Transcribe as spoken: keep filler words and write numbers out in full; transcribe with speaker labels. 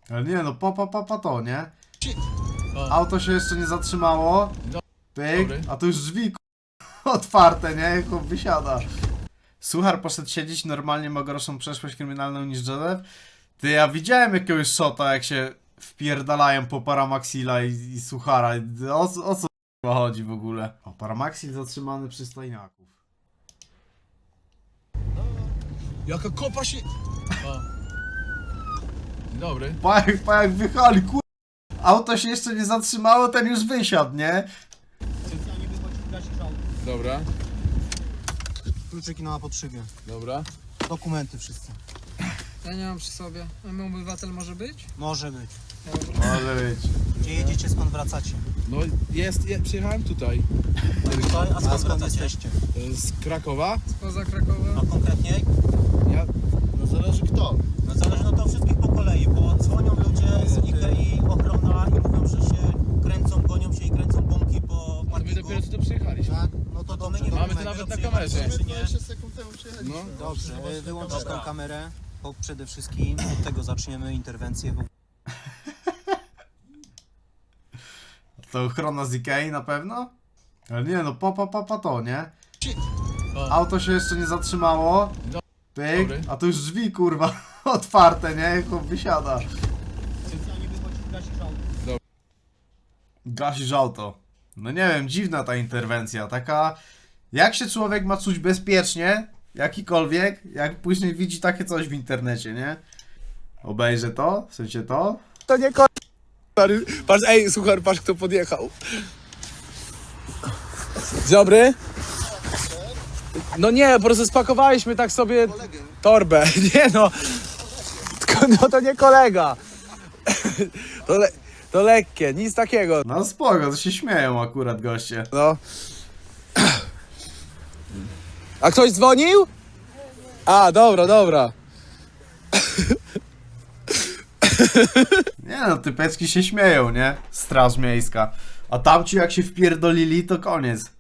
Speaker 1: Ale nie no, pa, pa, pa, pa to, nie?
Speaker 2: O.
Speaker 1: Auto się jeszcze nie zatrzymało.
Speaker 2: Do-
Speaker 1: Pyk,
Speaker 2: dobry.
Speaker 1: a tu już drzwi k***a, otwarte, nie? Chłop wysiada. Suchar poszedł siedzieć, normalnie ma gorszą przeszłość kryminalną niż Joseph. Ty, ja widziałem jakiegoś shota, jak się wpierdalają po Paramaxila i, i Suchara. O, o co k***a chodzi w ogóle? O, Paramaxil zatrzymany przy stojniaków.
Speaker 2: Jaka kopa się... O. Dzień dobry.
Speaker 1: Pa jak, pa jak wychali, kur... Auto się jeszcze nie zatrzymało, ten już wysiadł, nie?
Speaker 2: Dobra,
Speaker 3: Kluczyki na potrzebie.
Speaker 2: dobra.
Speaker 3: Dokumenty wszyscy.
Speaker 4: Ja nie mam przy sobie. A mój obywatel może być?
Speaker 3: Może być.
Speaker 1: Może być.
Speaker 3: Gdzie jedziecie, skąd wracacie?
Speaker 2: No jest, ja przyjechałem tutaj.
Speaker 3: Tutaj, a skąd, skąd jesteście?
Speaker 2: e, Z Krakowa.
Speaker 4: Spoza Krakowa?
Speaker 3: A konkretniej?
Speaker 2: Ja... No zależy kto.
Speaker 3: No zależy no to wszystkich po kolei, bo dzwonią ludzie z Ikei, ochrona i mówią, że się kręcą, gonią się i kręcą bąki po
Speaker 2: A my
Speaker 3: parkingu.
Speaker 2: dopiero co to przyjechaliśmy.
Speaker 3: Tak? No to, to my nie
Speaker 2: Mamy
Speaker 3: wiemy,
Speaker 2: to nawet na
Speaker 3: dopiero
Speaker 2: kamerze.
Speaker 3: przyjechaliśmy, czy nie.
Speaker 2: No.
Speaker 3: Dobrze, wyłączysz tą kamerę, bo przede wszystkim od tego zaczniemy interwencję. Bo...
Speaker 1: To ochrona z Ikei na pewno? Ale nie no, pa, pa, pa, pa to, nie?
Speaker 2: O.
Speaker 1: Auto się jeszcze nie zatrzymało.
Speaker 2: Do-
Speaker 1: Pyk,
Speaker 2: dobry.
Speaker 1: a tu już drzwi kurwa otwarte, nie? Chłop wysiada. Gasisz auto. No nie wiem, dziwna ta interwencja, taka... Jak się człowiek ma czuć bezpiecznie, jakikolwiek, jak później widzi takie coś w internecie, nie? Obejrzę to, w sensie to.
Speaker 2: To nie ko... Patrz, ej, słuchaj, patrz kto podjechał. Dzień dobry. No nie, po prostu spakowaliśmy tak sobie torbę. Nie no, tylko no to nie kolega. To, le... to lekkie, nic takiego.
Speaker 1: No spoko, to się śmieją akurat goście.
Speaker 2: No. A ktoś dzwonił? A, dobra, dobra.
Speaker 1: Nie no, typeczki się śmieją, nie? Straż miejska. A tamci jak się wpierdolili, to koniec.